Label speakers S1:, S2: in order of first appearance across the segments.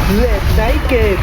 S1: เลดไนท์เกม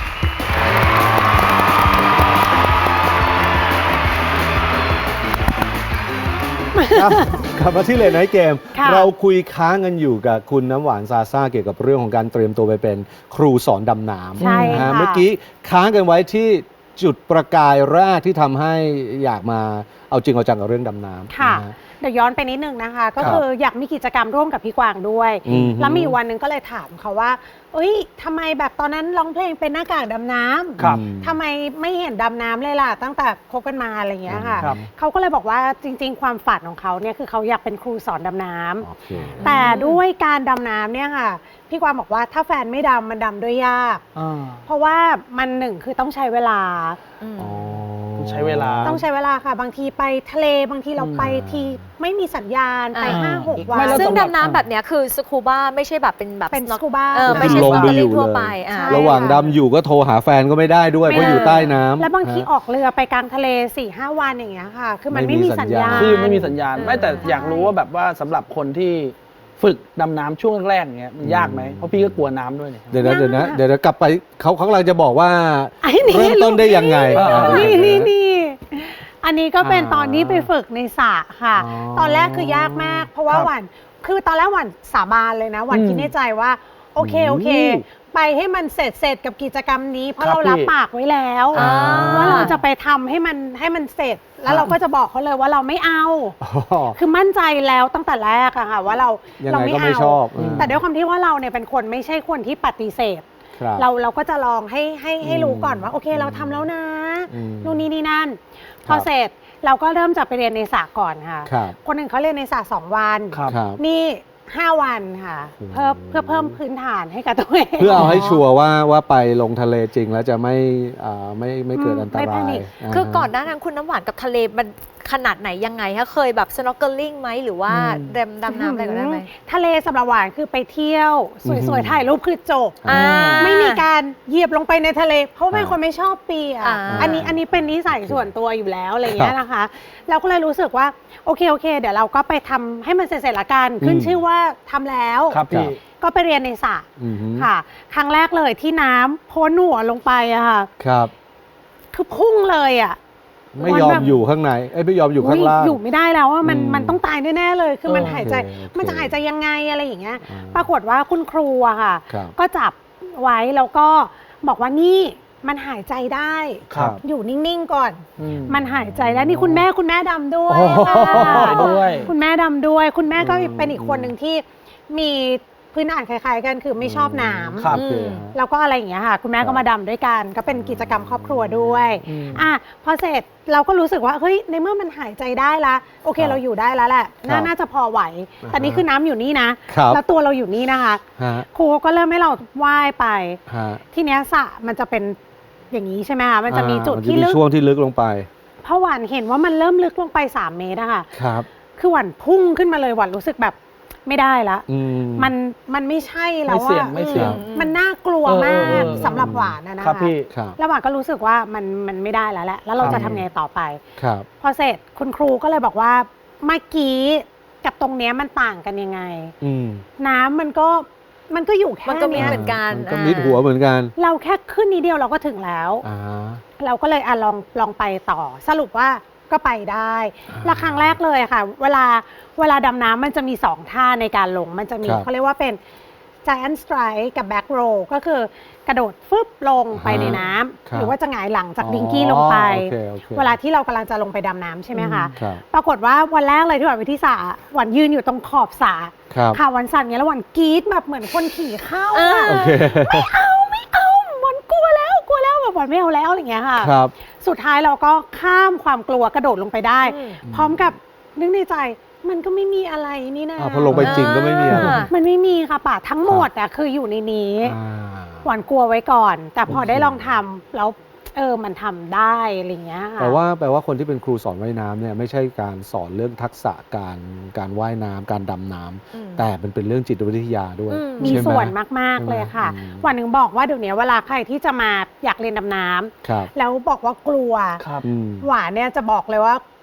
S1: กลับมาที่เลดไนท์เกมเราคุยค้างกันอยู่กับคุณน้ำหวานซาซ่าเกี่ยวกับเรื่องของการเตรียมตัวไปเป็นครูสอนดำน้ำ
S2: ใช่ค่ะ
S1: เมื่อกี้ค้างกันไว้ที่จุดประกายแรกที่ทำให้อยากมาเอาจริงเอาจังกับเรื่องดำน้ำ
S2: ค่ะเดี๋ยวย้อนไปนิดนึงนะคะ ก็คืออยากมีกิจกรรมร่วมกับพี่กวางด้วย แล้วมีวันหนึ่งก็เลยถามเขาว่าเอ้ยทำไมแบบตอนนั้นร้องเพลงเป็นหน้ากากดำน้ำทำไมไม่เห็นดำน้ำเลยล่ะตั้งแต่คบกันมาอะไรอย่างเงี้ยค่ะเขาก็เลยบอกว่าจริงๆความฝันของเขาเนี่ยคือเขาอยากเป็นครูสอนดำน้ำแต่ด้วยการดำน้ำเนี่ยค่ะพี่กวางบอกว่าถ้าแฟนไม่ดำมันดำด้วยยากเพราะว่ามันหนึ่งคือต้องใช้เวลา
S3: ต้องใช้เวลา
S2: ค่ะบางทีไปทะเลบางทีเราไปทีไม่มีสัญญาณไป 5-6 วัน
S4: ซึ่งดำน้ำแบบนี้คือสกูบ้าไม่ใช่แบบเป็น
S2: สกูบ้า
S4: ไม่ใช่สกูบ้าทั่วไประ
S1: หว่างดำอยู่ก็โทรหาแฟนก็ไม่ได้ด้วยเพราะอยู่ใต้น้ำ
S2: แล้วบางทีออกเรือไปกลางทะเล 4-5 วันอย่างเงี้ยค่ะคือมันไม่มีสัญญาณ
S3: คือไม่มีสัญญาณไม่แต่อยากรู้ว่าแบบว่าสำหรับคนที่ฝึกดำน้ำช่วงแรกๆเงี้ยมันยากไหมเพราะพี่ก็กลัวน้ำด้วยเนี่ย
S1: เดี๋ยวกลับไปเขากำลังจะบอกว่าเริ่มต้นได้ยังไง
S2: นี่อันนี้ก็เป็นตอนที่ไปฝึกในสระค่ะตอนแรกคือยากมากเพราะว่าหวานคือตอนแรกหวานสาบานเลยนะหวานคิดในใจว่าโอเคไปให้มันเสร็จกับกิจกรรมนี้เพราะเรารับปากไว้แล้วว่าเราจะไปทำให้มันเสร็จแล้วเราก็จะบอกเขาเลยว่าเราไม่เอาคือมั่นใจแล้วตั้งแต่แรกอะค่ะว่าเราไม่เอาแต่ด้วยความที่ว่าเราเนี่ยเป็นคนไม่ใช่คนที่ปฏิเสธเราก็จะลองให้รู้ก่อนว่าโอเคเราทำแล้วนะนู่นนี่นั่นพอเสร็จเราก็เริ่มจะไปเรียนในสระก่อนค่ะคนหนึ่งเขาเรียนในสระ2 วันนี่5 วันค่ะเพื่อเพิ่มพื้นฐานให้กับตัวเอง
S1: เพื่อเอาให้ชัวร์ว่าไปลงทะเลจริงแล้วจะไม่เกิดอันตราย
S4: คือก่อนหน้านั้นคุณน้ำหวานกับทะเลมันขนาดไหนยังไงคะเคยแบบ snorkeling ไหมหรือว่าดำน้ำอะไรก็ได้ไหม
S2: ทะเลสำหรับหวานคือไปเที่ยวสวยๆถ่ายรูปคือจบไม่มีการเหยียบลงไปในทะเลเพราะเป็นคนไม่ชอบเปียกอันนี้เป็นนิสัยส่วนตัวอยู่แล้วอะไรอย่างเงี้ยนะคะเราก็เลยรู้สึกว่าโอเคเดี๋ยวเราก็ไปทำให้มันเสร็จละกันขึ้นชื่อว่าทำแล้วก็ไปเรียนในสระค่ะครั้งแรกเลยที่น้ำโพ้นหัวลงไปอะค่ะคือพุ่งเลยอะ
S1: ไม่ยอมอยู่ข้างในไม่ยอมอยู่ข้างล่าง
S2: อยู่ไม่ได้แล้วว่ามันต้องตายแน่ๆเลยคือมันหายใจมันจะหายใจยังไงอะไรอย่างเงี้ยปรากฏว่าคุณครูอะค่ะก็จับไว้แล้วก็บอกว่านี่มันหายใจได้อยู่นิ่งๆก่อนมันหายใจแล้วนี่คุณแม่ดำด้วยค่ะคุณแม่ดำด้วยคุณแม่ก็เป็นอีกคนหนึ่งที่มีพื้นฐานคล้ายๆกันคือไม่ชอบน้ำแล้วก็อะไรอย่างเงี้ยค่ะคุณแม่ก็มาดำด้วยกันก็เป็นกิจกรรมครอบครัวด้วยพอเสร็จเราก็รู้สึกว่าเฮ้ยในเมื่อมันหายใจได้ละโอเคเราอยู่ได้แล้วแหละน่าจะพอไหวแต่นี่คือน้ำอยู่นี่นะแล้วตัวเราอยู่นี่นะคะครูก็เริ่มให้เราว่ายไปทีเนี้ยสระมันจะเป็นอย่างนี้ใช่ไหมคะมันจะมีจุดที่ลึก
S1: ช่วงที่ลึกลงไป
S2: เพราะหวานเห็นว่ามันเริ่มลึกลงไป3 เมตรอะค่ะคือหวานพุ่งขึ้นมาเลยหวานรู้สึกแบบไม่ได้ละมันไม่ใช่แล้วว่ามันน่ากลัวมากสำหรับหวานนะคะแล้วหวานก็รู้สึกว่ามันไม่ได้แล้วแหละแล้วเราจะทำไงต่อไปพอเสร็จคุณครูก็เลยบอกว่าเมื่อกี้กับตรงเนี้ยมันต่างกันยังไงน้ำมันก็อยู่แค่นี้
S4: เหมือนกัน
S1: ก็มิดหัวเหมือนกัน
S2: เราแค่ขึ้นนิดเดียวเราก็ถึงแล้วเราก็เลยลองไปต่อสรุปว่าก็ไปได้และครั้งแรกเลยค่ะเวลาดำน้ำมันจะมี2 ท่าในการลงมันจะมีเขาเรียกว่าเป็น Giant Strike กับ Back Row ก็คือกระโดดฟึบลงไปในน้ำหรือว่าจะหงายหลังจากดิงกี้ลงไปเวลาที่เรากำลังจะลงไปดำน้ำใช่ไหมคะปรากฏว่าวันแรกเลยที่หวานไปที่สระหวานยืนอยู่ตรงขอบสระค่ะวันสั่นเงี้ยแล้วหวานกรี๊ดแบบเหมือนคนขี่เข้าไม่เอาหวานกลัวแล้วแบบหวานไม่เอาแล้วอะไรเงี้ยค่ะสุดท้ายเราก็ข้ามความกลัวกระโดดลงไปได้พร้อมกับนึกในใจมันก็ไม่มีอะไรนี่นะ
S1: พอลงไปจริงก็ไม่มีอะไร
S2: มันไม่มีค่ะป่ะทั้งหมดคืออยู่ในนี้หวานกลัวไว้ก่อนแต่พอได้ลองทำแล้วมันทำได้อะไรเงี้ย
S1: แปลว่าคนที่เป็นครูสอนว่ายน้ำเนี่ยไม่ใช่การสอนเรื่องทักษะการว่ายน้ำการดำน้ำแต่มันเป็นเรื่องจิตวิทยาด้วย
S2: มีส่วนมากๆเลยค่ะวันหนึ่งบอกว่าเดี๋ยวนี้เวลาใครที่จะมาอยากเรียนดำน้ำแล้วบอกว่ากลัวหวานเนี่ยจะบอกเลยว่า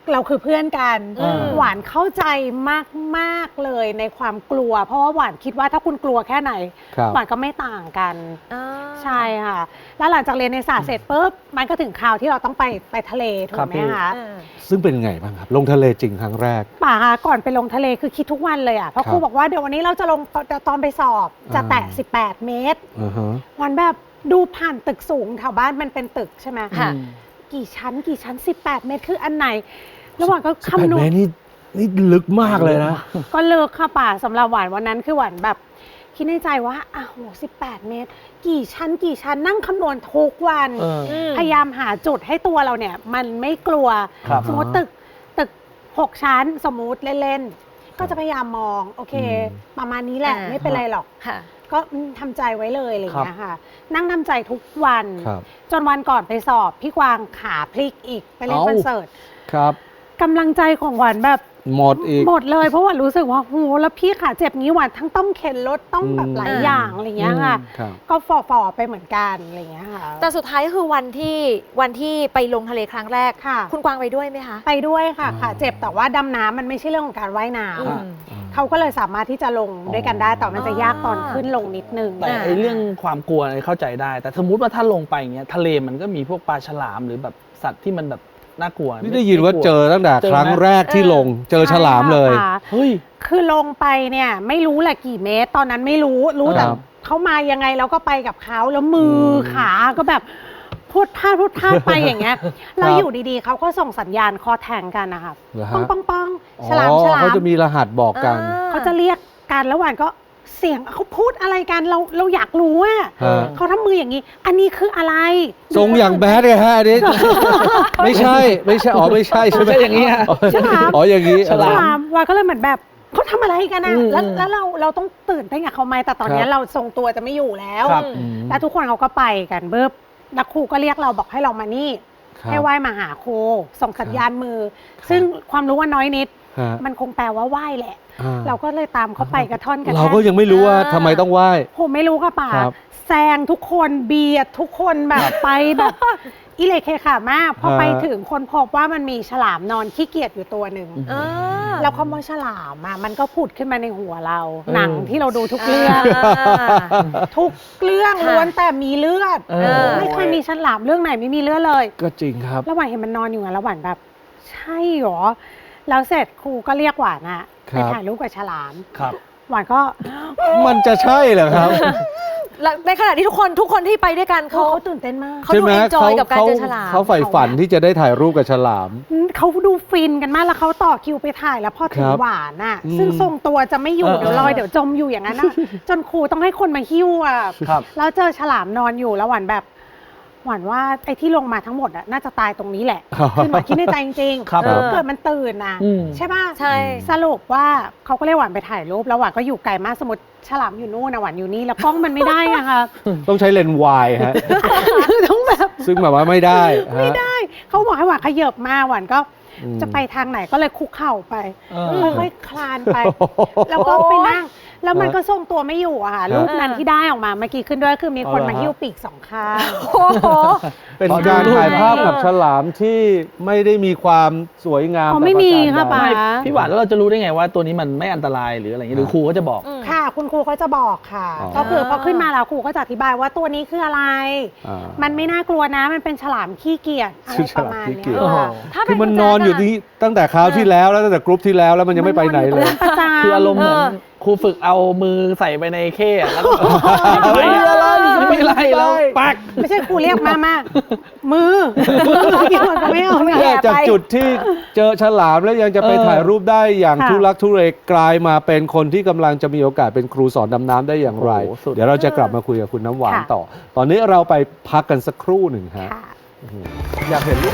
S2: เราคือเพื่อนกัน
S3: อืม
S2: หวานเข้าใจมากๆเลยในความกลัว เพราะว่าหวานคิดว่าถ้าคุณกลัวแค่ไหน
S1: ครับ
S2: หวานก็ไม่ต่างกัน
S4: อ่า
S2: ใช่ค่ะ แล้วหลังจากเรียนในศาสตร์เสร็จปุ๊บมันก็ถึงคราวที่เราต้องไปทะเลถู
S3: ครั
S2: ก
S3: บ
S2: ไหม
S3: พี่
S2: คะ
S4: อ่า
S1: ซึ่งเป็นไงบ้างครับ ลงทะเลจริงครั้งแรก
S2: ป่าคะก่อนไปลงทะเลคือคิดทุกวันเลยอ่ะเพราะ
S1: ครับ
S2: ครูบอกว่าเดี๋ยววันนี้เราจะลงตอนไปสอบจะแตะ
S1: อ่า
S2: 18 เมตร
S1: อ่าฮะ
S2: วันแบบดูผ่านตึกสูงแถวบ้านมันเป็นตึกใช่ไหม
S4: ค่ะ
S2: กี่ชั้น 18 เมตรคืออันไหน แล้วหวานก็
S1: 18
S2: คำนว
S1: เม
S2: ณ
S1: ตรนี่ลึกมากเลยนะ
S2: ก็เลิกค่ะป่าสำหรับหวานวันนั้นคือหวานแบบคิดในใจว่าอ้าว18 เมตร กี่ชั้นนั่งคำนวณทุกวัน
S3: เออ
S2: พยายามหาจุดให้ตัวเราเนี่ย มันไม่กลัว
S3: ครับ
S2: สมมติตึก6 ชั้นสมมุติเล่นๆ ก็จะพยายามมอง โอเค ประมาณนี้แหละ
S4: อ่า
S2: ไม่เป็นไรหรอก
S4: ค่ะ
S2: ก็ทำใจไว้เลยอะไรอย่างเงี้ยค่ะ นั่งทำใจทุกวัน
S1: ครับ
S2: จนวันก่อนไปสอบ พี่กวางขาพลิกอีกไปเล่น
S1: เอ้า
S2: คอนเสิร์ต
S1: ครับ
S2: กำลังใจของหวานแบบ
S1: หมดอีก
S2: หมดเลยเพราะว่ารู้สึกว่าโหแล้วพี่ขาเจ็บงี้หวานทั้งต้องเข็นรถต้องแบบหลาย
S4: อืม
S2: อย่างอะไรอย่างเงี้ยค่ะ
S1: ครับ
S2: ก็ฝ่อไปเหมือนกันอะไรอย่างเงี้ยค่ะ
S4: แต่สุดท้ายก็คือวันที่ไปลงทะเลครั้งแรก
S2: ค่ะ
S4: คุณกวางไปด้วยไหมคะ
S2: ไปด้วยค่ะ
S1: อ๋อ
S2: ขาเจ็บแต่ว่าดำน้ำมันไม่ใช่เรื่องของการว่ายน้
S4: อืม
S2: ำเขาก็เลยสามารถที่จะลงด้วยกันได้แต่มันจะยากตอนขึ้นลงนิดนึง
S3: แต่ไอ้เรื่องความกลัวอะไรเข้าใจได้ แต่สมมติว่าถ้าลงไปอย่างเงี้ยทะเลมันก็มีพวกปลาฉลามหรือแบบสัตว์ที่มันแบบน่ากลัว
S1: นี่ได้ยินว่าเจอตั้งแต่
S3: เจอไหม
S1: ครั้งแรกที่ลง เจอฉลามเลย
S2: ใช่ค่ะ
S3: เฮ้ย
S2: คือลงไปเนี่ยไม่รู้แหละกี่เมตร ตอนนั้นไม่รู้แต่
S1: ครับ
S2: เขามายังไงเราก็ไปกับเขาแล้วมือขาก็แบบพูดพลาดไปอย่างเงี้ยแล้วอยู่ดีๆเขาก็ส่งสัญญาณคอแทงกันนะคะ
S1: เหรอฮะ
S2: ป้องฉลาม
S1: อ๋อ
S2: ฉลาม
S1: เขาจะมีรหัสบอกกัน
S2: เขาจะเรียกกันแล้วหวานก็เสียงเขาพูดอะไรกันเราอยากรู้ว่า
S1: ฮะ
S2: เขาทำมืออย่างนี้ อันนี้คืออะไร
S1: ทรงอย่างแบดเลยฮะอันนี้ ไม่ใช่อ๋อไม่ใช่ใช่ไหม
S3: ไม่ใช่อย่างนี้ฮะ
S2: ฉลาม
S1: อ๋ออย่างนี้
S2: ฉลามวานก็เลยเหมือนแบบเขาทำอะไรกันนะ
S3: อืม
S2: แล้วเราต้องตื่นเต้นกับเขาไหมแต่ตอนเนี้ยเราทรงตัวจะไม่อยู่แล้ว
S3: ครับ
S1: อืม
S2: แล้วทุกคนเขาก็ไปกันเบิบนักครูก็เรียกเราบอกให้เรามานี่
S1: ครับ
S2: ให้ไหว้มาหาครูส่งสัญญาณมือ ซึ่งความรู้ว่าน้อยนิด
S1: ฮะ
S2: มันคงแปลว่าไหว้แหละ
S1: อ่า
S2: เราก็เลยตามเขาไปกระท่อนกระ
S1: เรา
S2: แท่น
S1: ก็ยังไม่รู้ว่าทำไมต้องไหว้
S2: ผมไม่รู้ค่ะป่า
S1: ครับ
S2: แซงทุกคนเบียดทุกคนแบบไปแบบอิเล็กเคขามากพอไปถึงคนพบว่ามันมีฉลามนอนขี้เกียจอยู่ตัวหนึ่ง
S4: อ่า
S2: แล้วคำว่าฉลามอ่ะมันก็ผุดขึ้นมาในหัวเรา
S3: เออ
S2: หนังที่เราดูทุกเรื่อง ทุกเรื่อง
S4: ค่ะ
S2: ล้วนแต่มีเลือด
S3: เออ
S2: ไม่เคยมีฉลามเรื่องไหนไม่มีเลือดเลย
S1: ก็จริงครับ
S2: แล้วหวานเห็นมันนอนอยู่ไงแล้วหวานแบบ ใช่หรอ แล้วเสร็จครูก็เรียกหวานอะ
S1: ครั
S2: ไป
S1: บ
S2: ถ่ายรูปกับฉลาม
S3: ครับ
S2: หวานก็
S1: มันจะใช่เหรอครับ
S4: แล้วในขณะที่ทุกคนที่ไปด้วยกัน
S2: เขา
S4: เขา
S2: ตื่นเต้นมาก
S4: เขาดู enjoy กับการเจอฉลาม
S1: เขาใฝ่ฝันที่จะได้ถ่ายรูปกับฉลาม
S2: เขาดูฟินกันมากแล้วเขาต่อคิวไปถ่ายแล้วพอถึ
S1: ค
S2: ง
S1: รับ
S2: หวานอ่ะ
S1: อืม
S2: ซึ่งทรงตัวจะไม่อยู่
S3: เออ
S2: เดี๋ยวลอยเดี๋ยวจมอยู่อย่างนั้นอ่ะ จนครูต้องให้คนมาหิ้วอ่ะ
S3: ครับ
S2: แล้วเจอฉลามนอนอยู่แล้วหวานแบบหวานว่าไอ้ที่ลงมาทั้งหมดอ่ะน่าจะตายตรงนี้แหละคือหวานคิดในใจจริงๆ
S3: ครับ
S2: เกิดมันตื่นนะ
S3: อืม
S2: ใช่ป่ะ
S4: ใช่
S2: สรุปว่าเขาก็เรียกหวานไปถ่ายรูปแล้วหวานก็อยู่ไกลมากสมมติฉลามอยู่นู่นนะหวานอยู่นี่แล้วกล้องมันไม่ได้อะค่ะ
S1: ต้องใช้เลนส์วายฮะ
S2: คือต้องแบบ
S1: ซึ่งแบบว่าไม่ได้ฮะ
S2: ไม่ได้เขาบอกให้หวานขยับมาหวานก็
S1: อืม
S2: จะไปทางไหนก็เลยคุกเข่าไป
S3: เออ
S2: ค่อยๆคลานไป แล้วก็ไปนั่ง แล้วมันก็ทรงตัวไม่อยู่อะค่ะ
S1: ฮะ
S2: รูปนั้นที่ได้ออกมาเมื่อกี้ขึ้นด้วยคือมีคน
S3: เอาเหรอ
S2: มาหิ้วปีกสองข้าง
S4: โอ้โห
S1: เป็นการถ่ายภาพกับฉลามที่ไม่ได้มีความสวยงาม
S2: อ๋อไม่มี
S1: แบบประการ
S2: ค่ะ
S1: ใด
S2: ป๋า
S3: พี่หวานแล้วเราจะรู้ได้ไงว่าตัวนี้มันไม่อันตรายหรืออะไรอย่างเงี้ยหรือครูก็จะบอก
S2: ค่ะ คุณครูเขาจะบอกค่ะ
S1: อ๋อ
S2: ก็คือพอขึ้นมาแล้วครูก็จะอธิบายว่าตัวนี้คืออะไร
S1: อ่า
S2: มันไม่น่ากลัวนะ มันเป็นฉลามขี้เกียจอะไรประมาณ
S1: ขี้
S2: เนี้
S1: เกียจ
S2: ยค่ะ
S4: ถ้า
S1: คื
S4: เป็
S1: อมันนอนอยู่ที่ตั้งแต่คราวที่แล้วแล้วตั้งแต่กรุ๊ปที่แล้วแล้วมันยังไม่ไปไหนเลย
S2: ประจำ
S3: คืออารมณ์เหมือนครูฝึกเอามือใส่ไปในเข้อะแล้วก็
S1: ไม่มีอะไร
S3: ไม่ไรแล้วปัก
S2: ไม่ใช่ครูเรียกมามือที่มันก็ไม่เอาเนี่ย
S1: เนี่ยจากจุดที่เจอฉลามแล้วยังจะไป
S3: เออ
S1: ถ่ายรูปได้อย่าง
S2: ค่ะ
S1: ทุลักทุเลกลายมาเป็นคนที่กำลังจะมีโอกาสเป็นครูสอนดำน้ำได้อย่างไร
S3: โอ้โหสุด
S1: เดี๋ยวเราจะกลับมาคุยกับคุณน้ำหวาน
S2: ค่ะ
S1: ต่อ ตอนนี้เราไปพักกันสักครู่หนึ่งฮะ
S2: ค่ะ
S1: อยากเห็นรูป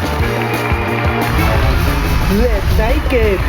S3: เลดไนท์เกม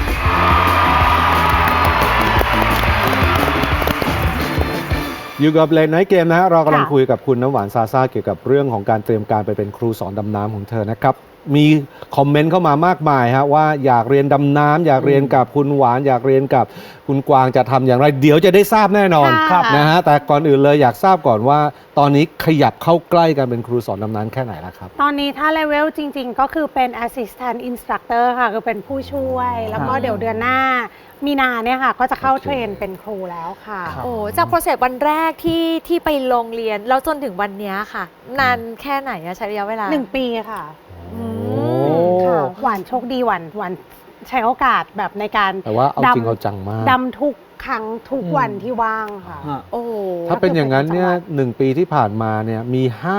S1: อยู่กับเลนไนท์เกมนะฮะเรากำลัง
S2: ค่ะ
S1: คุยกับคุณน้ำหวานซาซ่าเกี่ยวกับเรื่องของการเตรียมการไปเป็นครูสอนดำน้ำของเธอนะครับมีคอมเมนต์เข้ามามากมายฮะว่าอยากเรียนดำน้ำอยากเรียนกับคุณหวานอยากเรียนกับคุณกวางจะทำอย่างไรเดี๋ยวจะได้ทราบแน่นอน
S2: ครับ
S1: นะฮะแต่ก่อนอื่นเลยอยากทราบก่อนว่า ตอนนี้ขยับเข้าใกล้กันเป็นครูสอนดำน้ำแค่ไหนแล้วครับ
S2: ตอนนี้ถ้าเลเวลจริงๆ ก็คือเป็น assistant instructor ค่ะ คือเป็นผู้ช่วย แล้วก็เดี๋ยวเดือนหน้ามีนาเนี่ยค่ะ ก็จะเข้า
S1: โอเค
S2: เทรนเป็นครูแล้วค่ะ
S3: ครับ
S4: โอ้จากโปรเซสวันแรกที่ไปลงเรียนแล้วจนถึงวันเนี้ยค่ะ นานแค่ไหนอะใช้ระยะเวลา
S2: 1 ปีค่ะ
S4: อื
S1: โอ้
S4: ม
S2: ค่ะหวานโชคดีหวานใช้โอกาสแบบในการ
S1: แต่ว่าเอาจริงเอาจังมาก
S2: ดำทุกครั้งทุกวันที่ว่างค่ะ
S3: ฮะ
S4: โอ้
S1: ถ้าเป็นอย่างนั้นเนี่ย1 ปีที่ผ่านมาเนี่ยมี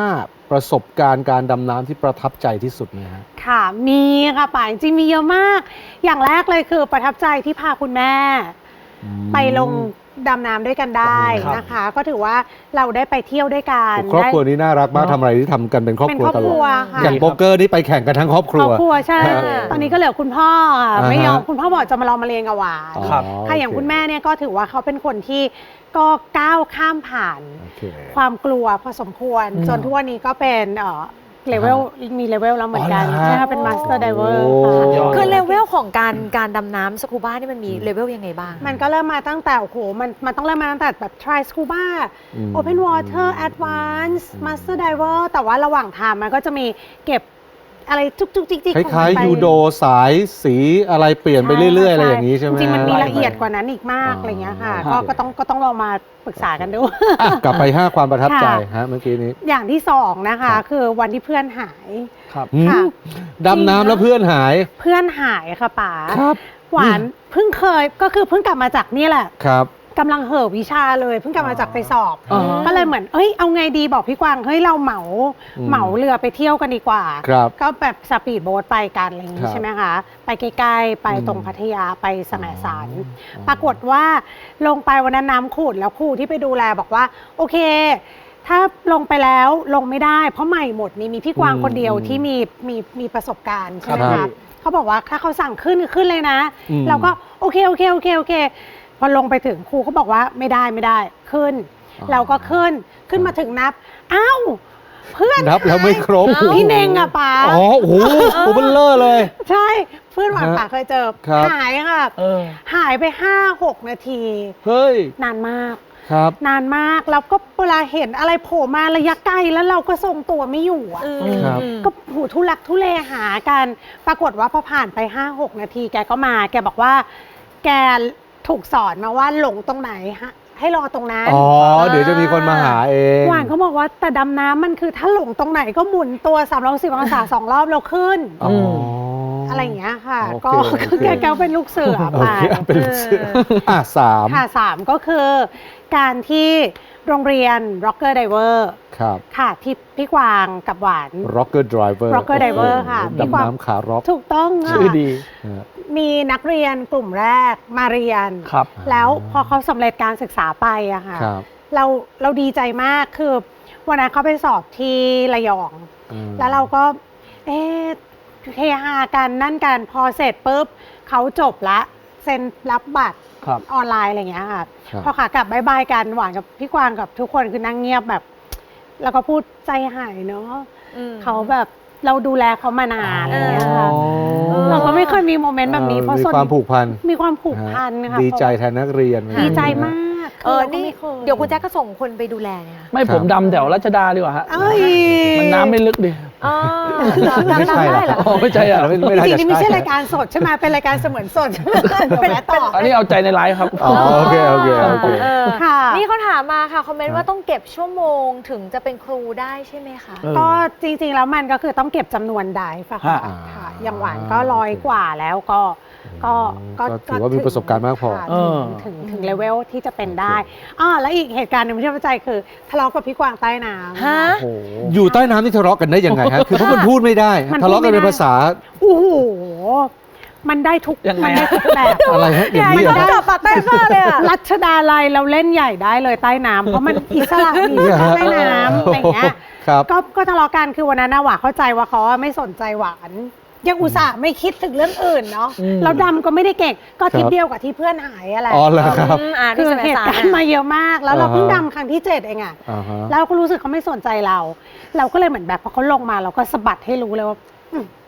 S1: 5 ประสบการณ์การดำน้ำที่ประทับใจที่สุดไหมฮะ
S2: ค่ะ มีค่ะป่าจริงๆมีเยอะมาก อย่างแรกเลยคือประทับใจที่พาคุณแม่ ไปลงดำน้ำด้วยกันได้
S3: ครับ
S2: นะคะ ก็ถือว่าเราได้ไปเที่ยวด้วยกัน
S1: ครอบครัว
S2: ได้
S1: นี้น่ารักมากทำอะไรที่ทำกันเป็นครอบ
S2: เป็น
S1: ครัว
S2: ครอบ
S1: ต
S2: ค
S1: ล
S2: รั
S1: อ
S2: ว
S1: ด
S2: ค่ะ
S1: อย่างโป๊กเกอร์นี่ไปแข่งกันทั้งครอบค
S2: ค
S1: รั
S2: ร
S1: ว
S2: อบครัวใช่
S1: อ่า
S2: ตอนนี้ก็เหลือคุณพ่อค่ะ
S1: อ่าฮะ
S2: ไม่ยอมคุณพ่อบอกจะมาลองมาเรียนกับหวาน
S3: ครับ
S2: ค่ะอย่างคุณแม่เนี่ยก็ถือว่าเขาเป็นคนที่ก็ก้าวข้ามผ่าน
S1: โอเค
S2: ความกลัวพอสมควร
S3: อืม
S2: จนทุกวันนี้ก็เป็นเลเวลมีเลเวลแล้วเหมือนกัน
S1: อ๋อเหรอฮะ
S2: ใช่ค่ะเป็นมาสเตอร์ไดเวอร์
S1: โอ้
S2: ค่ะ
S3: ยอด
S4: คือเลเวลของการดำน้ำสกูบ้านี่มันมีเลเวลยังไงบ้าง
S2: มันก็เริ่มมาตั้งแต่โอ้โหมันต้องเริ่มมาตั้งแต่แบบ try scuba
S1: อืม
S2: open water advance master diver แต่ว่าระหว่างทางมันก็จะมีเก็บอะไรจุกจิกจิก
S1: คล้ายๆยูโดสายสีอะไรเปลี่ยนไปเรื่อยๆ อะไรอย่างนี้ใช่ไหม
S2: จริงๆมันมี
S1: ฮ
S2: ละเอียดกว่านั้นอีกมากอะไรเงี้ยค่ะ
S1: อ๋อ
S2: ก็ต้องลองมาปรึกษากันดู
S1: อ่ะกลับไป 5 ความประทับใจ
S2: ค่ะ
S1: ฮะเมื่อกี้นี้
S2: อย่างที่สองนะคะ
S1: ครับ
S2: คือวันที่เพื่อนหาย
S3: ครับ
S1: หืม
S2: ค่ะ
S1: ดำน้ำแล้วเพื่อนหาย
S2: เพื่อนหายค่ะป๋า
S1: ครับ
S2: หวานเพิ่งเคยก็คือเพิ่งกลับมาจากนี่แหละ
S1: ครับ
S2: กำลังเห่อวิชาเลยเพิ่งกลับมาจากไปสอบ
S3: อ๋อ
S2: ก็เลยเหมือนเอาไงดีบอกพี่กวางเฮ้ยเราเหมา
S1: อืม
S2: เหมาเรือไปเที่ยวกันดีกว่า
S1: ครับ
S2: ก็แบบสปีดโบ๊ทไปกันอะไรอย่าง
S1: ครั
S2: นี้
S1: บ
S2: ใช่ไหมคะไปใกล้ๆไปตรง
S1: อืม
S2: พัทยาไปแสมสาร
S1: อ๋อ
S2: ปรากฏว่าลงไปวันนั้นน้ำขุ่นแล้วครูที่ไปดูแลบอกว่า โอเค ถ้าลงไปแล้วลงไม่ได้ เพราะใหม่หมดนี่มีพี่กวางคนเดียวที่มีประสบการณ์ใช่ไหม
S1: ครั
S2: คะ
S1: บ
S2: เขาบอกว่าถ้าเขาสั่งขึ้นคือขึ้นเลยนะ
S1: อืม
S2: เราก็โอเคพอลงไปถึงครูเขาบอกว่าไม่ได้ขึ้น
S1: อ๋อ
S2: เราก็ขึ้นมาถึงนับอ้าวเพื่อน
S1: นับแล้วไม่ครบ
S2: พี่เน่งอะป๋า
S1: อ๋อโอ้โหโอ้เบลเลอร์เลย
S2: ใช่เพื่อนหวานป๋าเคยเจอ
S1: ครับ
S2: หายค่ะ
S3: เออ
S2: หายไป 5-6 นาที
S1: เฮ้ย
S2: นานมาก
S1: ครับ
S2: นานมากแล้วก็เวลาเห็นอะไรโผล่มาระยะไกลแล้วเราก็ทรงตัวไม่อยู่อะ
S1: ครับ
S2: ก็หูทุลักทุเลหากัน ปรากฏว่าพอผ่านไป 5-6 นาทีแกก็มา แกบอกว่า แกถูกสอนมาว่าหลงตรงไหนฮะให้รอตรงนั้น
S1: อ๋อ เดี๋ยวจะมีคนมาหาเอง
S2: หวานเขาบอกว่าแต่ดำน้ำมันคือถ้าหลงตรงไหนก็หมุนตัว360องศา 2 รอบแล้วขึ้น
S1: อ๋ออ
S2: อะไรอย่างเงี้ยค่ะ
S1: โอเค
S2: ก็
S1: โอเค
S2: แกเป็นลูกเสือ
S1: โอ
S2: ไป
S1: เคเป็นลูกเสืออ่ะสาม
S2: ค่ะ3ก็คือการที่โรงเรียน Rocker Diver
S1: ครับ
S2: ค่ะที่พี่กวางกับหวาน
S1: Rocker Driver
S2: Rocker Diver ค่ะพี่กวาง
S1: ดำน้ำขาร็อก
S2: ถูกต้องค่ะ
S3: ชื่อดี
S2: มีนักเรียนกลุ่มแรกมาเรียน
S3: ครับ
S2: แล้วพอเขาสำเร็จการศึกษาไปอะค่ะ
S1: ครับ
S2: เราดีใจมากคือวันนั้นเขาไปสอบที่ระยอง
S1: อืม
S2: แล้วเราก็เฮฮากันนั่นกันพอเสร็จปุ๊บเขาจบละเซ็นรับบัตร
S3: ครับ
S2: ออนไลน์อะไรอย่างเงี้ยค่ะ
S1: ครับ
S2: พอขากลับบายบายกันหวานกับพี่กวางกับทุกคนคือนั่งเงียบแบบ แล้วก็พูดใจหายเนาะเขาแบบเราดูแลเขามานานอะไรอย่างเงี้ยค่ะ
S1: อ๋อ
S2: เราก็ไม่เคยมีโมเมนต์แบบนี้เพราะ
S1: มี
S2: ส่วน
S1: ความผูกพัน
S2: มีความผูกพันค่ะ
S1: ดีใจแทนนักเรียน
S2: ดีใจมาก
S4: นี่
S2: ราก็ไม่ค
S4: เดี๋ยวคุณแจ๊คก็ส่งคนไปดูแลเนี่ยค่ะ
S3: ไม่ผมดำแถวรัชดาดีกว่าฮะ
S2: เอ้ย
S3: มันน้ำไม่ลึกดิ
S4: อ๋อ
S1: ไม่ใช่
S4: ได้เหรอ
S3: อ๋อไม่ใช่อ่ะ
S1: ไม่น่า
S2: จริ
S1: จะ
S2: งๆนี่ไม่ใช่
S1: ใช่
S2: รายการสดใช่ไหมเป็นรายการเสมือนสดใช่ไหมเดี๋ยวแวะต่อ
S3: อันนี้เอาใจในไลฟ์ครับ
S1: อ๋อโอเคโอเคโอเค
S4: เออ
S2: ค่ะ
S4: นี่เขาถามมาค่ะ คอมเมน
S1: ครั
S4: ต์
S1: บ
S4: ว่าต้องเก็บชั่วโมงถึงจะเป็นครูได้ใช่ไหมคะ
S3: เออ
S2: ก็จริงๆแล้วมันก็คือต้องเก็บจำนวนไดฟ์อะค่ะ
S3: ฮะ
S2: ค่ะอย่างหวานก็100 กว่าแล้วก็
S1: ถือว่ามีประสบการณ์มากพอ
S2: ค่ะ
S3: เออ
S2: ถึงเลเวลที่จะเป็นได้แล้วอีกเหตุการณ์หนึงที่ประทับใจคือทะเลาะกับพี่กวางใต้น้ำ
S4: ฮะ
S3: โอ้โห
S1: อยู่ใต้น้ำนี่ทะเลาะกันได้ยังไงฮะ คือเพราะมันพูดไม่ได้
S2: มัน
S1: ทะเลาะกันเป็นภาษา
S2: โอ้โหมันได้ทุก
S3: ยังไง
S2: มันได้ทุกแบบ
S1: อะไรฮะอย่างนี้เหรอ
S2: มัน
S1: ฮะ
S2: กลับปากใต้ฟ้าเลยอะรัชดาลัยเราเล่นใหญ่ได้เลยใต้น้ำเพราะมันอิสระดีใต้น้ำอะไรอย่างเงี้ย
S1: ครับ
S2: ก็ทะเลาะกันคือวันนั้นนะหวานเข้าใจว่าเขาไม่สนใจหวานยังอุตส่าห์ไม่คิดถึงเรื่องอื่นเนาะ
S3: อืม
S2: เราดำก็ไม่ได้เก่งก็ทริป
S1: ครับ
S2: เดียวกับที่เพื่อนหายอะไร
S1: อ๋อเหรอครับ
S2: คื
S4: ที่
S2: อ
S4: สมัย
S2: เหตุ
S4: สาร
S2: การณ์มาเยอะมาก แล้วเราเพิ่ง
S1: อ่าฮะ
S2: ดำครั้งที่ 7 เองอะ
S1: อ่าฮะ
S2: แล้วเราก็รู้สึกเขาไม่สนใจเรา เราก็เลยเหมือนแบบพอเขาลงมาเราก็สะบัดให้รู้เลยว่า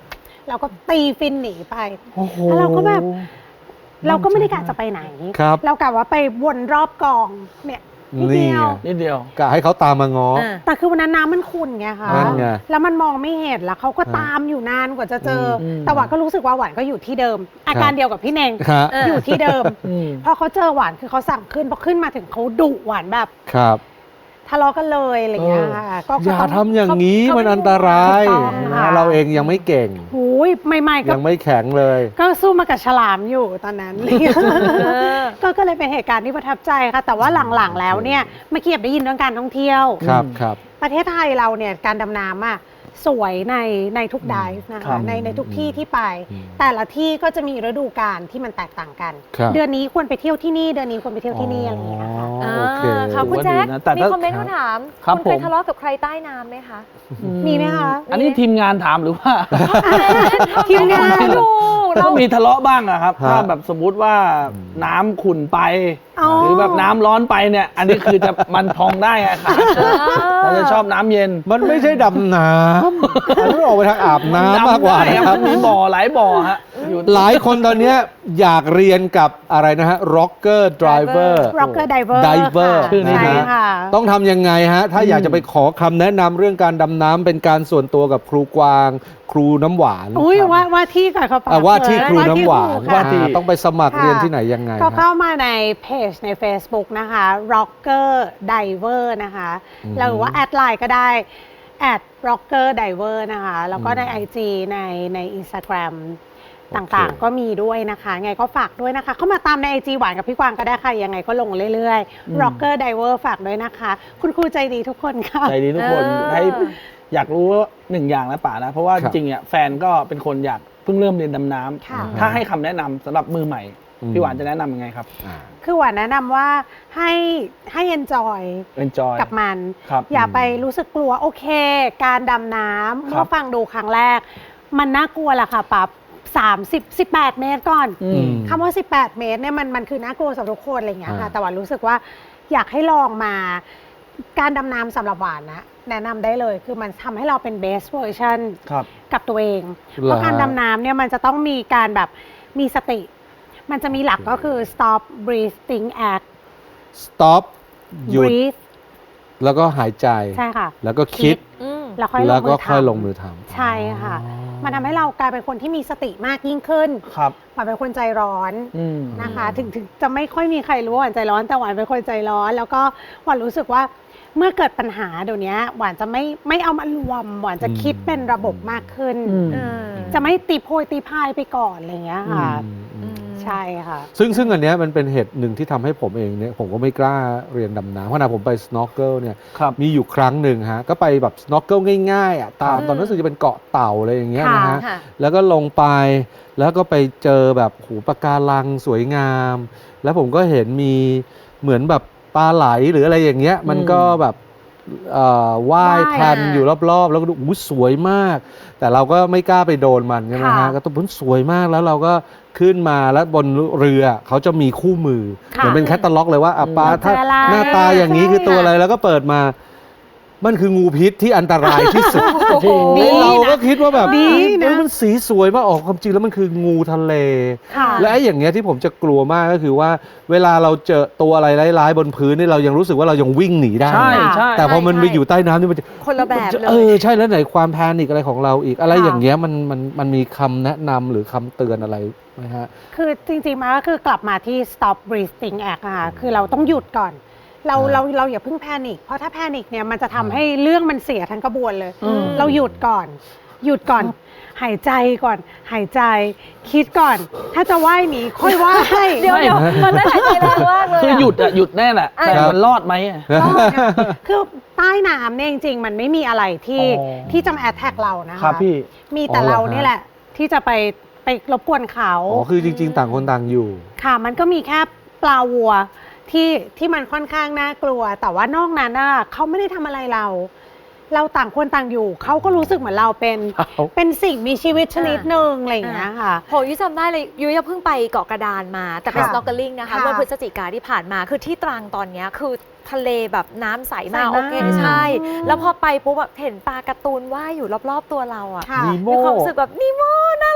S2: เราก็ตีฟินหนีไป
S3: โอ้โห
S2: แล้วเราก็แบบ เราก็ไม่ได้กะจะไปไหน
S1: ครับ
S2: เรากะว่าไปวนรอบกองเนี่ยนิด
S1: นี่
S2: เดียว
S1: ไง
S3: นิดเดียว
S1: กะให้เขาตามมาง้อ
S2: แต่คือวันนั้นน้ำมันขุ่นไงคะ
S1: นั่นไง
S2: แล้วมันมองไม่เห็นแล้วเขาก็ตามอยู่นานกว่าจะเจออ
S3: ม
S2: แต่หวานก็รู้สึกว่าหวานก็อยู่ที่เดิม อาการเดียวกับพี่เน่ง
S1: ครับ
S2: อยู่ที่เดิม
S3: อืม
S2: พอเขาเจอหวานคือเขาสั่งขึ้นพอขึ้นมาถึงเขาดุหวานแบบ
S1: ครับ
S2: ทะเลาะกันเลยอะไรอย่างเงี้ยค่ะก็
S1: อย่า
S2: ต้อง
S1: ทำอย่างนี้
S4: เขา
S1: มันอันตราย
S2: ถูกต้องค่ะ
S1: นะเราเองยังไม่เก่ง
S2: หูยใหม่ๆก็
S1: ยังไม่แข็งเลย
S2: ก็สู้มากับฉลามอยู่ตอนนั้น ก็เลยเป็นเหตุการณ์ที่ประทับใจค่ะ แต่ว่าหลังๆแล้วเนี่ยเมื่อกี้ได้ยินเรื่องการท่องเที่ยว
S1: ครับครับ
S2: ประเทศไทยเราเนี่ยการดำน้ำอ่ะสวยในทุกไดฟ์นะ
S3: ครั
S2: คะ
S3: บ
S2: ในทุกที่ที่ไป
S1: อืม
S2: แต่ละที่ก็จะมีฤดูกาลที่มันแตกต่างกัน
S1: ครับ
S2: เดือนนี้ควรไปเที่ยวที่นี่เดือนนี้ควรไปเที่ยวที่นี่อะไรอย่างเงี้ยค่ะ
S1: อ๋อโอเค
S4: ค่ะคุณแจ๊ค
S3: ถือว่าดีนะแต่
S4: มี
S3: ถ้า
S4: คอมเมนต์เขาถาม
S3: ครับ
S4: คุณเคย
S3: ผม
S4: ทะเลาะกับใครใต้น้ำไหมคะ
S2: มีไหมคะ
S3: อันนี้ทีมงานถามหรือว่า
S2: ทีมงาน
S4: ดู
S3: ก็มีทะเลาะบ้างอะครับ
S1: ฮะ
S3: ถ้าแบบสมมุติว่าน้ำขุ่นไป
S2: อ๋อ
S3: หรือแบบน้ำร้อนไปเนี่ย อันนี้คือจะมันพองได้ไงครับเราจะชอบน้ำเย็น
S1: มันไม่ใช่ดำน้ำมันต้องออกไปทางอาบน้ำมากกว่า
S3: ดำได้
S1: นะ
S3: ค
S1: ค
S3: รั
S1: รั
S3: บบ มีบ่อหลายบ่อฮะอยู่
S1: หลายคนตอนเนี้ยอยากเรียนกับอะไรนะฮะ rocker driver
S2: rocker diver
S1: diver
S2: ค่ะ
S3: ชื่อนี้
S2: ใช่
S3: นะ
S2: ค่ะ
S1: ต้องทำยังไงฮะ ถ้าอยากจะไปขอคำแนะนำเรื่องการดำน้ำเป็นการส่วนตัวกับครูกวาง ครูน้ำหวาน
S2: อุ้ยว่าที่ก่อนเขาปะ
S1: ว่าที่ครูน้ำหวาน
S2: ว่าที่
S1: ต้องไปสมัคร
S2: ค่ะ
S1: เรียนที่ไหนยังไง
S2: ก็
S1: ฮะ
S2: เข้ามาในเพจใน Facebook นะคะ rocker diver นะคะ
S1: อืม
S2: หรือว่าแอดไลน์ก็ได้ @rocker diver นะคะ แล้วก็ใน IG ใน Instagram ต่างๆ ก็มีด้วยนะคะ ไงก็ฝากด้วยนะคะ เข้ามาตามใน IG หวานกับพี่กวางก็ได้ค่ะ ยังไงก็ลงเรื่อยๆ rocker diver ฝากด้วยนะคะ คุณครูใจดีทุกคนค่ะ
S3: ใจดีทุกคน
S4: เออ
S3: ให้อยากรู้หนึ่งอย่างนะป่านะ เพราะว่า
S1: ค
S3: จ
S1: รับ
S3: ริงๆเนี่ยแฟนก็เป็นคนอยากเพิ่งเริ่มเรียนดำน้ำ
S2: ค่ะ
S3: ถ้าให้คำแนะนำสำหรับมือใหม่
S1: อืม
S3: พี่หวานจะแนะนำยังไงครับ
S1: อ่า
S2: คือหวานแนะนำว่าให้ enjoy
S3: enjoy
S2: กับมัน
S3: ครับ
S2: อย่าไปรู้สึกกลัวโอเค การดำน้ำ
S3: ครับ
S2: เมื่อฟังดูครั้งแรก มันน่ากลัวแหละค่ะปั๊บ18 เมตรก่อน
S3: อืม
S2: คำว่า 18 เมตรเนี่ยมันคือน่ากลัวสำหรับทุกคนอะไรอย่างเงี้ยค่ะ
S1: อ่า
S2: แต่หวานรู้สึกว่าอยากให้ลองมาการดำน้ำสำหรับหวานนะแนะนำได้เลยคือมันทำให้เราเป็น best version
S3: ครับ
S2: กับตัวเอง
S1: เหรอ
S2: เพราะการดำน้ำเนี่ยมันจะต้องมีการแบบมีสติ มันจะมีหลักก็คือ stop breathing act
S1: stop หยุด
S2: breathe
S1: แล้วก็หายใจ
S2: ใช่ค่ะ
S1: แล้วก็คิด
S4: อืม
S2: แล้วค่อยล
S1: แล้ว
S2: ง
S1: ก็
S2: มือ
S1: ค่อย
S2: ทำ
S1: ลงมือทำ
S2: ใช่ค่ะ มันทำให้เรากลายเป็นคนที่มีสติมากยิ่งขึ้น
S3: ครับ
S2: หวานเป็นคนใจร้อน
S3: อืม
S2: นะคะ ถึงจะไม่ค่อยมีใครรู้ว่าหวานใจร้อน แต่หวานเป็นคนใจร้อน แล้วก็หวานรู้สึกว่าเมื่อเกิดปัญหาเดี๋ยวนี้หวานจะไม่เอามารวม หวานจะคิดเป็นระบบมากขึ้น
S3: อืม
S4: เออ
S2: จะไม่ตีโพยตีพายไปก่อนอะไรอย่างเงี้ยค่ะ
S1: อืม
S2: ใช่ค่ะ
S1: ซึ่งอันเนี้ยมันเป็นเหตุหนึ่งที่ทำให้ผมเองเนี่ยผมก็ไม่กล้าเรียนดำน้ำเพราะนะผมไป snorkel เนี่ย
S3: ครับ
S1: มีอยู่ครั้งหนึ่งฮะก็ไปแบบ snorkel ง่ายๆอ่ะตาม
S4: อืม
S1: ตอนนั้นรู้สึกจะเป็นเกาะเต่าอะไรอย่างเงี้ยนะฮะ
S4: ค่ะ
S1: แล้วก็ลงไปแล้วก็ไปเจอแบบหูปะการังสวยงาม แล้วผมก็เห็นมีเหมือนแบบปลาไหลหรืออะไรอย่างเงี้ยมันก็แบบว่าย
S2: ว่าย
S1: แพนอยู่รอบๆ แล้วก็ดูอู้สวยมาก แต่เราก็ไม่กล้าไปโดนมันใช่ไหมฮะ
S2: ค่ะ
S1: ก็ต้องสวยมากแล้วเราก็ขึ้นมาแล้วบนเรือเขาจะมีคู่มือ
S2: ค่ะ
S1: เหมือนเป็นแคตตาล็อกเลยว่าอ่ะปลาถ้า
S2: เจออะไร
S1: หน้าตาอย่างนี้
S2: ใช่
S1: คือตัวอะไรแล้วก็เปิดมา มันคืองูพิษที่อันตรายที่สุด
S4: โอ้โห
S2: ดี
S1: เราก็คิดว่าแบบ
S2: ดีนะ
S1: เอ้ยมันสีสวยมากออกความจริงแล้วมันคืองูทะเล
S2: ค่ะ
S1: และไอ้อย่างเงี้ยที่ผมจะกลัวมากก็คือว่า เวลาเราเจอตัวอะไรร้ายๆบนพื้นนี่เรายังรู้สึกว่าเรายังวิ่งหนีได้
S3: ใช่ใช่
S1: แต่พอมันไปอยู่ใต้น้ำนี่มันจะ
S4: คนละแบบเล
S1: เอย อใช่แล้วไหนความแพนิคอะไรของเราอีกอะไร
S2: ค่ะ
S1: อย่างเงี้ยมันมีคำแนะนำหรือคำเตือนอะไรไหมฮะ
S2: คือจริงๆมันก็คือกลับมาที่ stop breathing act อะค่ะคือเราต้องหยุดก่อน เรา
S1: อ่า
S2: เราอย่าเพิ่งแพนิคเพราะถ้าแพนิคเนี่ยมันจะทำให้เรื่องมันเสียทั้งกระบวนเลย
S3: อืม
S2: เราหยุดก่อน หยุดก่อน หายใจก่อน หายใจ คิดก่อน ถ้าจะว่ายหนีค่อยว่าย
S4: เดี๋ยวมันไม่หายใจแรงมากเลยะ
S3: คือหยุดอะหยุดแน่แหละ แต่
S1: ครับ
S3: มันรอดไหมอะ
S2: ก็คือใต้น้ำเนี่ยจริงๆ มันไม่มีอะไรที่
S3: อ๋อ
S2: ที่จะมาแอทแทกเรานะคะ
S3: ครับพี่
S2: มีแต่
S1: อ๋อเหรอ
S2: เรา
S1: ฮะ
S2: นี่แหละ ที่จะไปรบกวนเขา
S1: อ๋อคือจริง ๆ ต่างคนต่างอยู่
S2: ค่ะมันก็มีแค่ปลาวัวที่มันค่อนข้างน่ากลัว แต่ว่านอกนั้นน่ะเขาไม่ได้ทำอะไรเรา เราต่างคนต่างอยู่เขาก็รู้สึกเหมือนเราเป็นสิ่งมีชีวิตชนิดหนึ่งอะไรอย่างเงี้ยค่ะ
S4: โหยุ้ยจำได้เลยยุ้ยเพิ่งไปเกาะกระดานมา แต่เป็น
S2: ค่ะ
S4: snorkeling นะคะ
S2: ค่ะ
S4: เมื่อพฤศจิกาที่ผ่านมาคือที่ตรังตอนเนี้ยคือทะเลแบบน้ำใสมาก
S2: ใสมาก
S4: โอเคใช่
S2: อืม
S4: แล้วพอไปปุ๊บแบบเห็นปลาการ์ตูนว่ายอยู่รอบๆตัวเราอ่ะ
S2: ค่ะ
S3: นีโม่
S4: มีความรู้สึกแบบนีโม่น่า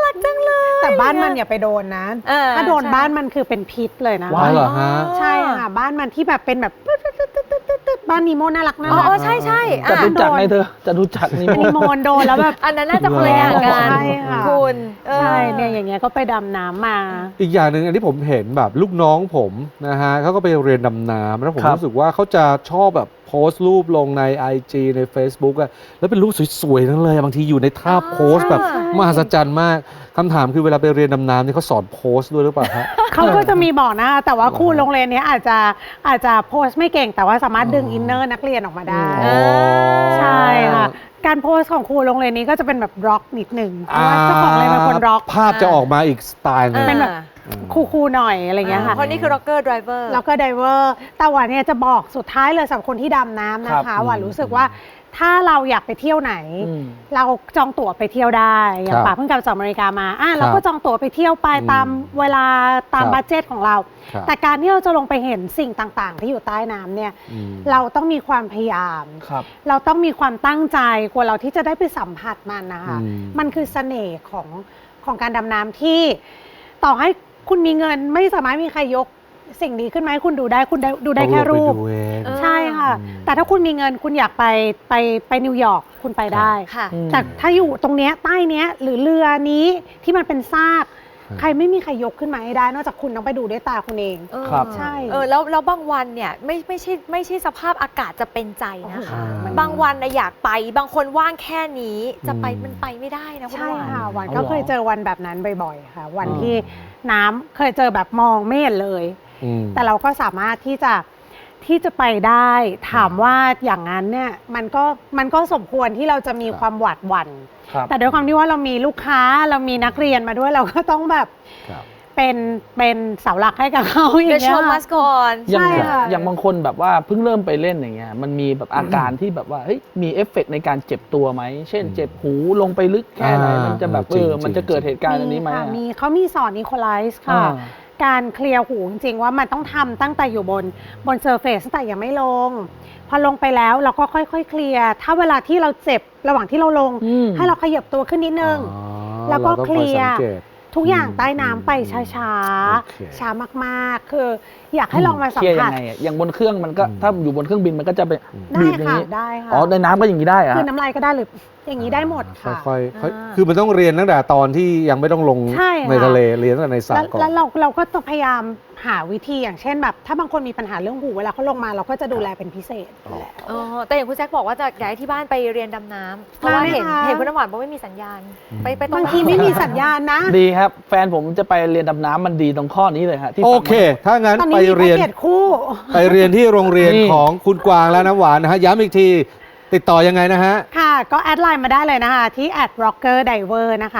S4: รักจังเลย
S2: แต่บ้านมันอย่าไปโดนนะ ถ้าโดนบ้านมันคือเป็นพิษเลยนะ
S1: ว้าวเหรอฮะ
S2: ใช่ค่ะบ้านมันที่แบบเป็นแบบบ้านนีโมน่ารักน่า
S4: อ๋
S2: รัก
S4: อใช่ใช่
S3: จะรู้จักไงเธอจะรู้จักนี่
S2: นีโมนโดนแล้วแบบ
S4: อันนั้นน่าจะคนละอย่างกัน
S2: ใช่ค่ะ
S4: คุณ
S2: ใช่เนี่ยอย่างเงี้ยก็ไปดำน้ำมา
S1: อีกอย่างหนึ่งอันที่ผมเห็นแบบลูกน้องผมนะฮะเขาก็ไปเรียนดำน้ำแล้วผมรู้สึกว่าเขาจะชอบแบบโพสต์รูปลงใน IG ใน Facebook อะแล้วเป็นรูปสวยๆทั้งเลยบางทีอยู่ในท่าโพสต์แบบ
S2: ใช่
S1: มหัศจรรย์มากคำถามคือเวลาไปเรียนดำน้ำนี่เขาสอนโพสต์ด้วยหรือเปล่าฮะ
S2: เขาก็จะมีบอกนะแต่ว่าครูโรงเรียนเนี้ยอาจจะโพสต์ไม่เก่งแต่ว่าสามารถดึงอินเนอร์นักเรียนออกมาได้
S1: อ๋อ
S2: ใช่ค่ะการโพสต์ของครูโรงเรียนนี้ก็จะเป็นแบบร็อกนิดหนึ่งเพราะว่าเจ้าของโรงเรียนเป็นคนร็อก
S1: ภาพจะออกมาอีกสไตล์หนึง
S2: เป็นแบบ คูลๆหน่อยอะไรเงี้ยค่ะ
S4: เพราะนี่คือ rocker driver
S2: แล้วก็ไดเวอร์แต่ว่าเนี่ยจะบอกสุดท้ายเลยสำหรับคนที่ดำน้ำนะคะว่ารู้สึกว่าถ้าเราอยากไปเที่ยวไหน เราจองตั๋วไปเที่ยวได้อย่างป่าเพิ่งกลับจากอเมริกามาเราก็จองตั๋วไปเที่ยวไปตามเวลาตามบัดเจ็ตของเรา แต่การที่เราจะลงไปเห็นสิ่งต่างๆ ที่อยู่ใต้น้ำเนี่ยเราต้องมีความพยายาม เราต้องมีความตั้งใจกว่าเราที่จะได้ไปสัมผัสมันนะคะมันคือเสน่ห์ของการดำน้ำที่ต่อให้คุณมีเงินไม่สามารถมีใครยกสิ่งนี้ขึ้นมาให้คุณดูได้คุณดูได้แค่รูปใช่ค่ะแต่ถ้าคุณมีเงินคุณอยากไปนิวยอร์กคุณไปได้แต่ถ้าอยู่ตรงเนี้ยใต้เนี้ยหรือเรือนี้ที่มันเป็นซากใครไม่มีใครยกขึ้นมาให้ได้นอกจากคุณต้องไปดูด้วยตาคุณเองใช่
S4: แล้วบางวันเนี่ยไม่ใช่สภาพอากาศจะเป็นใจนะคะบางวันนะอยากไปบางคนว่างแค่นี้จะไปมันไปไม่ได้นะคุณ
S2: ใช่
S4: หวาน
S2: ค่ะวันก็เคยเจอวันแบบนั้นบ่อยๆค่ะวันที่น้ำเคยเจอแบบมองไม่เห็นเลยแต่เราก็สามารถที่จะไปได้ถามว่าอย่างนั้นเนี่ยมันก็สมควรที่เราจะมีความหวาดหวั่นแต่ด้วยความที่ว่าเรามีลูกค้าเรามีนักเรียนมาด้วยเราก็ต้องแบบเป็นเสาหลักให้กับเขาอย่างเงี้ย
S4: The show must go on
S3: อย่างบางคนแบบว่าเพิ่งเริ่มไปเล่นอย่างเงี้ยมันมีแบบอาการที่แบบว่าเฮ้ยมีเอฟเฟกต์ในการเจ็บตัวไหมเช่นเจ็บหูลงไปลึกแค่ไหนมันจะแบบมันจะเกิดเหตุการณ์อันนี้ไหม
S2: มีเขามีสอนอีโคไลซ์ค่ะการเคลียร์หูจริงๆว่ามันต้องทำตั้งแต่อยู่บนเซอร์เฟซตั้งแต่ยังไม่ลงพอลงไปแล้วเราก็ค่อยๆเคลียร์ถ้าเวลาที่เราเจ็บระหว่างที่เราลงให้เราขยับตัวขึ้นนิดนึงแล้วก็เคลียร์ทุกอย่างใต้น้ำไปช้าๆช้ามากๆคืออยากให้ลองมาสัมผัส
S3: อย่างบนเครื่องมันก็ถ้าอยู่บนเครื่องบินมันก็จะไป
S2: ได้
S3: บีบอย่าง
S2: ค่ะ
S3: นี้
S2: ได้ค่ะ
S3: อ๋อในน้ำก็อย่างนี้ได้อะ
S2: คือน้ำลายก็ได้หรืออย่างนี้ได้หมดค่ะ
S1: ค่อยๆคือมันต้องเรียนตั้งแต่ตอนที่ยังไม่ต้องลงในทะเลเรียนตั้งแต่ในสระก่อน
S2: แล้วเราก็ต้องพยายามหาวิธีอย่างเช่นแบบถ้าบางคนมีปัญหาเรื่องหูเวลาเขาลงมาเราก็จะดูแลเป็นพิเศษอยู่แล้ว
S4: แต่อย่างคุณแจ็คบอกว่าจะย้ายที่บ้านไปเรียนดำน้ำเพราะว่าเห็นคุณน้ำหวานบอกไม่มีสัญญาณไปตรง
S2: บางทีไม่มีสัญญาณนะ
S3: ดีครับแฟนผมจะไปเรียนดำน้ำมันดีตรงข้อนี้เลยฮะที่
S1: โอเคถ้างั้น
S2: ตอน
S1: ไป
S2: นี้มี
S1: เรียน
S2: แพ็กเกจคู่
S1: ไปเรียนที่โรงเรียนของคุณกวางและน้ำหวานนะฮะย้ำอีกทีติดต่อยังไงนะฮะ
S2: ค่ะก็แอดไลน์มาได้เลยนะคะที่ @rockerdiver นะคะ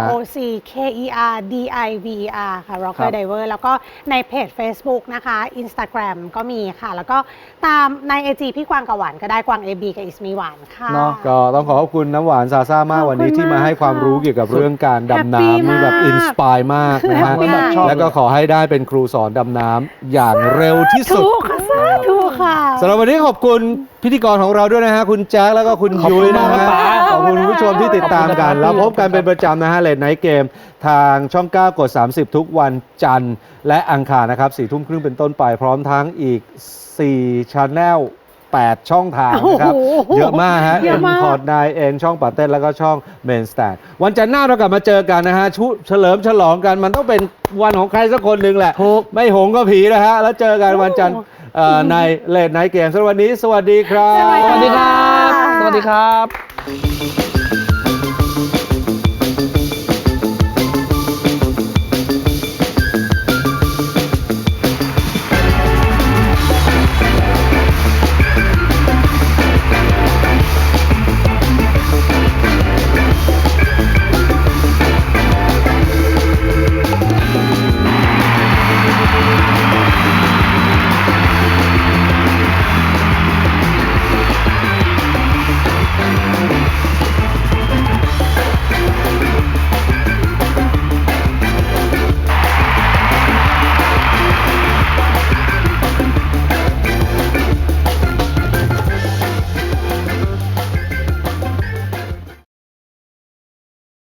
S2: ROCKERDIVER ค่ะ rocker diver แล้วก็ในเพจ Facebook นะคะ Instagram ก็มีค่ะแล้วก็ตามใน IG พี่กวางกับหวานก็ได้กวาง AB กับอิสมีหวานค่ะ
S1: ก็ต้องขอบคุณน้ำหวานซาซ่ามากวันนี้ที่มาให้ความรู้เกี่ยวกับเรื่องการดำน้ำนี่แบบอินสปายมากนะฮะแล้วก็ขอให้ได้เป็นครูสอนดำน้ำอย่างเร็วที่สุด
S2: ถูกค่ะ
S1: สำหรับวันนี้ขอบคุณพิธีกรของเราด้วยนะฮะคุณแจ็คแล้วก็คุณยุ้ยนะฮะขอบคุณผู้ชมที่ติดตามกันแล้วพบกันเป็นประจำนะฮะเลทไนท์เกมทางช่อง 9 กด 30 ทุกวันจันทร์และอังคารนะครับ 4 ทุ่มครึ่งเป็นต้นไปพร้อมทั้งอีก4 Channel 8 ช่องทางนะครับเยอะมากฮะImport 9 ช่องปาเต้นแล้วก็ช่อง Main Stand วันจันทร์หน้าเรากลับมาเจอกันนะฮะเฉลิมฉลองกันมันต้องเป็นวันของใครสักคนหนึ่งแหละไม่หงก็ผีนะฮะแล้วเจอกันวันจันทร์ในเลทไนท์เกมสำหรับวันนี้สวัสดีครับ
S3: สวัสดีครับ